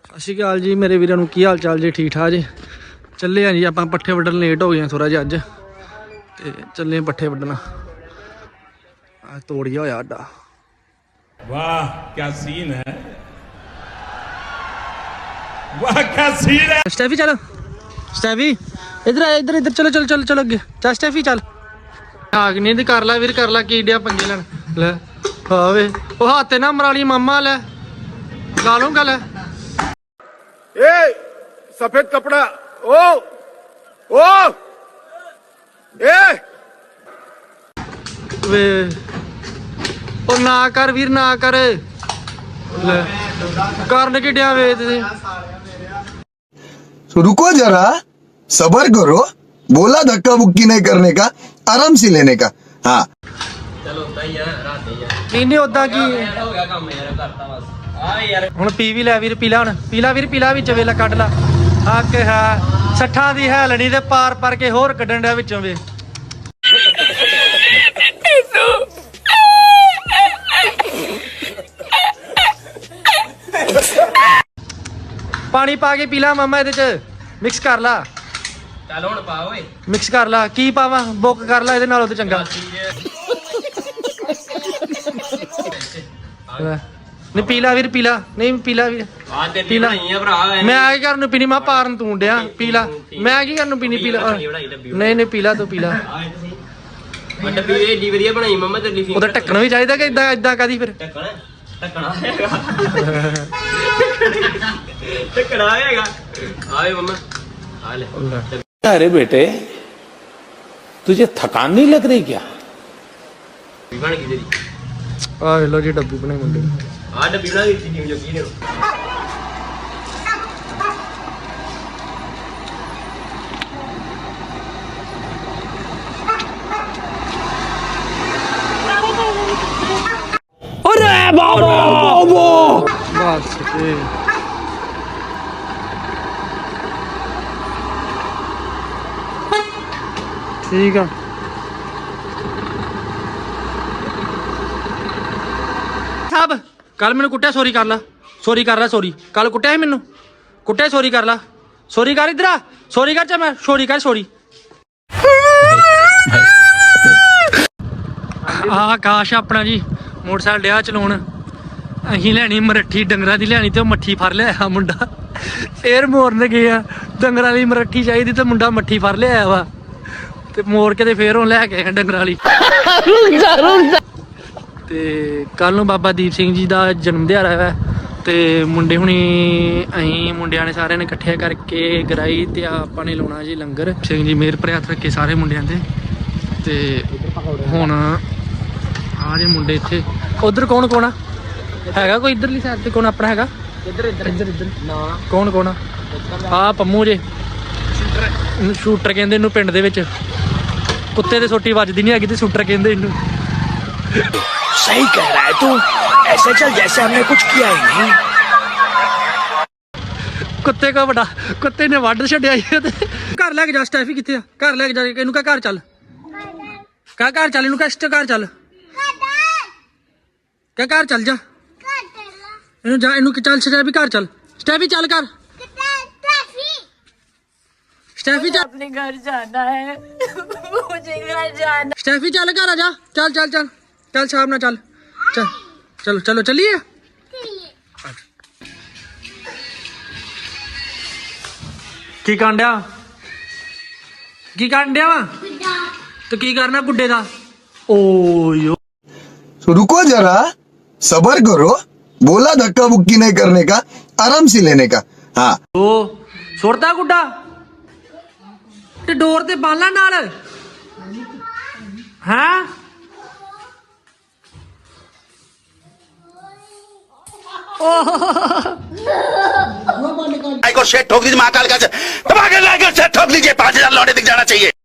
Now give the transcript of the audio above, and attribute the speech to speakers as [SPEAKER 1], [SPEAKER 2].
[SPEAKER 1] ਸਤਿ ਸ਼੍ਰੀ ਅਕਾਲ ਜੀ ਮੇਰੇ ਵੀਰਾਂ ਨੂੰ, ਕੀ ਹਾਲ ਚਾਲ ਜੀ? ਠੀਕ ਠਾਕ ਜੀ। ਚੱਲੇ ਆ ਜੀ ਆਪਾਂ ਪੱਠੇ ਵੱਢਣ, ਲੇਟ ਹੋ ਗਏ ਥੋੜਾ ਜਿਹਾ ਅੱਜ, ਤੇ ਚੱਲੇ ਪੱਠੇ ਵੱਢਣਾ। ਆ ਤੋੜਿਆ ਹੋਇਆ ਆਡਾ।
[SPEAKER 2] वाह क्या सीन है, वाह क्या सीन है।
[SPEAKER 1] स्टेफी चलो, स्टेफी इधर आ, इधर इधर चलो चलो चलो चलो अगे चल स्टेफी चल। आग नहीं कर ला वीर, कर ला की डिया पंगे लैन ले आवे ओ हाथ ना मराली मामा ले ला लूंगा ले।
[SPEAKER 3] ए सफेद कपड़ा ओ ए
[SPEAKER 1] वे ओ ना कर वीर ना कर ले करन की डिया वे ते
[SPEAKER 4] तो रुको जरा, सबर करो। बोला धक्का बुक्की नहीं करने का, आराम से लेने का। हाँ
[SPEAKER 5] चलो उदा ही है, रात ही है।
[SPEAKER 1] नहीं नहीं उदा की
[SPEAKER 5] हो गया काम यार, करता बस। हाँ यार
[SPEAKER 1] ਹੁਣ ਪੀ ਵੀ ਲੈ ਵੀਰ, ਪੀਲਾ ਹੁਣ ਪੀਲਾ ਵੀਰ, ਪੀਲਾ ਵਿੱਚ ਵੇਲਾ ਕੱਢ ਲਾ। ਆ ਕਿ ਹੈ 60 ਦੀ ਹੈਲਣੀ ਤੇ ਪਾਰ ਪਰ ਕੇ ਹੋਰ ਕੱਢਣ ਡਿਆ ਵਿੱਚੋਂ ਵੇ। ਪਾਣੀ ਪਾ ਕੇ ਪੀਲਾ ਮਾਮਾ, ਇਹਦੇ ਚ ਮਿਕਸ ਕਰ ਲਾ।
[SPEAKER 5] चल हुण पा ओए।
[SPEAKER 1] ਮਿਕਸ ਕਰ ਲਾ। ਕੀ ਪਾਵਾਂ? ਬੁੱਕ ਕਰ ਲਾ ਇਹਦੇ ਨਾਲੋਂ ਤੇ ਚੰਗਾ। ਨਹੀਂ ਪੀਲਾ ਵੀਰ, ਪੀਲਾ ਨਹੀਂ ਪੀਲਾ ਵੀਰ।
[SPEAKER 5] आ ते पीला ही है भरा।
[SPEAKER 1] ਮੈਂ ਆ ਕੀ ਕਰਨ ਨੂੰ ਪੀਣੀ? ਮੈਂ ਪਾਰਨ ਤੂੰ ਡਿਆ ਪੀਲਾ। ਮੈਂ ਕੀ ਕਰਨ ਨੂੰ ਪੀਣੀ? ਪੀਲਾ ਨਹੀਂ ਨਹੀਂ ਪੀਲਾ ਤੂੰ ਪੀਲਾ।
[SPEAKER 5] डब्बी एडी वधिया बनाई मम्मा तेरी।
[SPEAKER 1] ਉਹਦਾ ਢੱਕਣ ਵੀ ਚਾਹੀਦਾ कि ਇਦਾਂ ਇਦਾਂ ਕਾਦੀ ਫਿਰ?
[SPEAKER 5] ढक्कन ढक्कना ढक्कना आएगा। आए मम्मा आ ले।
[SPEAKER 2] अरे बेटे तुझे थकान नहीं लग रही क्या?
[SPEAKER 5] बन गई तेरी
[SPEAKER 1] ਆ ਲੋ ਜੀ ਡੱਬੀ ਬਣਾਈ ਮੁੰਡੇ ਨੇ।
[SPEAKER 5] आ डब्बी बना दी थी जो की ने।
[SPEAKER 1] ਬਸ ਤੇ ਠੀਕ ਆ। ਸਾਬ ਕੱਲ ਮੈਨੂੰ ਕੁੱਟਿਆ, ਸੌਰੀ ਕਰ ਲਾ, ਸੌਰੀ ਕਰ ਲਾ, ਸੌਰੀ ਕੱਲ ਕੁੱਟਿਆ ਸੀ ਮੈਨੂੰ, ਕੁੱਟਿਆ ਸੌਰੀ ਕਰ ਲਾ, ਸੌਰੀ ਕਰ ਇਧਰ ਆ, ਸੌਰੀ ਕਰ। ਚਾ ਮੈਂ ਸੌਰੀ ਕਰ, ਸੌਰੀ। ਆਕਾਸ਼ ਆਪਣਾ ਜੀ ਮੋਟਰਸਾਈਕਲ ਡਿਆ ਚਲਾਉਣ। ਅਸੀਂ ਲੈਣੀ ਮਰੱਠੀ ਡੰਗਰਾਂ ਦੀ ਲੈਣੀ, ਤੇ ਉਹ ਮੱਠੀ ਫੜ ਲਿਆ ਮੁੰਡਾ। ਫੇਰ ਮੋਰਨ ਗਏ ਆ, ਡੰਗਰਾਂ ਦੀ ਮਰੱਠੀ ਚਾਹੀਦੀ ਤੇ ਮੁੰਡਾ ਮੱਠੀ ਫੜ ਲਿਆ ਵਾ, ਤੇ ਮੋੜ ਕੇ ਤੇ ਫੇਰ ਉਹ ਲੈ ਕੇ ਡੰਗਰਾਂ ਵਾਲੀ। ਤੇ ਕੱਲ ਨੂੰ ਬਾਬਾ ਦੀਪ ਸਿੰਘ ਜੀ ਦਾ ਜਨਮ ਦਿਹਾੜਾ ਹੈ, ਤੇ ਮੁੰਡੇ ਹੁਣੀ ਅਸੀਂ ਮੁੰਡਿਆਂ ਨੇ ਸਾਰਿਆਂ ਨੇ ਇਕੱਠੇ ਕਰਕੇ ਗਰਾਈ ਤੇ ਆਪਾਂ ਨੇ ਲਾਉਣਾ ਜੀ ਲੰਗਰ। ਸਿੰਘ ਜੀ ਮਿਹਰ ਭਰੇ ਹੱਥ ਰੱਖੇ ਸਾਰੇ ਮੁੰਡਿਆਂ ਤੇ ਹੁਣ ਆ ਜੇ ਮੁੰਡੇ ਇੱਥੇ। ਉਧਰ ਕੌਣ ਕੌਣ ਆ? ਹੈਗਾ ਕੋਈ ਇਧਰਲੀ ਸਾਈਡ ਤੇ ਕੌਣ ਆਪਣਾ ਹੈਗਾ?
[SPEAKER 5] इधर इधर
[SPEAKER 1] ਇੱਧਰ ਇੱਧਰ
[SPEAKER 5] ना
[SPEAKER 1] ਕੌਣ ਆ? ਆ ਪੰਮੂ ਜੇ ਸ਼ੂਟਰ ਕਹਿੰਦੇ ਇਹਨੂੰ ਪਿੰਡ ਦੇ ਵਿੱਚ। ਕੁੱਤੇ ਦੇ ਸੋਟੀ ਵੱਜਦੀ ਨਹੀਂ ਹੈਗੀ ਤੇ ਸ਼ੂਟਰ ਕਹਿੰਦੇ ਇਹਨੂੰ।
[SPEAKER 6] सही कह रहा है तू, ऐसे चल जैसे हमने कुछ किया ही नहीं।
[SPEAKER 1] ਕੁੱਤੇ ਕੋ ਵੱਡਾ ਕੁੱਤੇ ਨੇ ਵੱਢ ਛੱਡਿਆ ਜੀ। ਤੇ ਘਰ ਲੈ ਕੇ ਜਾ। ਸਟੈਫੀ ਕਿੱਥੇ ਆ? ਘਰ ਲੈ ਕੇ ਜਾ। ਇਹਨੂੰ ਕਹ ਘਰ ਚੱਲ, ਕਹ ਘਰ ਚੱਲ, ਇਹਨੂੰ ਕਹ ਘਰ ਚੱਲ, ਕਹ ਘਰ ਚੱਲ ਜਾ। ਇਹਨੂੰ ਜਾ, ਇਹਨੂੰ ਚੱਲ ਸਟੈਫੀ ਘਰ ਚੱਲ, ਸਟੈਫੀ ਚੱਲ ਘਰ, ਸਟੈਫੀ ਚੱਲ,
[SPEAKER 7] अपने घर जाना है मुझे घर जाना।
[SPEAKER 1] ਸਟੈਫੀ ਚੱਲ ਘਰ ਆ ਜਾ। ਚੱਲ ਚੱਲ ਚੱਲ ਚੱਲ ਸ਼ਾਮ ਨਾਲ ਚੱਲ ਚੱਲ ਚਲੋ ਚਲੋ ਚੱਲੀਏ। ਕੀ ਕਰਨ ਡਿਆ? ਕੀ ਕਰਨ ਡਿਆ ਵਾ? ਤੇ ਕੀ ਕਰਨਾ ਗੁੱਡੇ ਦਾ? ਓਯੋ
[SPEAKER 4] तो रुको जरा, सबर करो। बोला धक्का बुक्की नहीं करने का, आराम से लेने का। हाँ
[SPEAKER 1] ਓ ਸੁੱਟਦਾ ਗੁੱਡਾ ਤੇ ਡੋਰ ਤੇ ਬਾਲਾ ਨਾਲ ਹਾਂ।
[SPEAKER 3] को शेट ठोक दीजिए, महाकाल का दबा के लाकर शेट ठोक लीजिए, 5,000 लौटे दिख जाना चाहिए।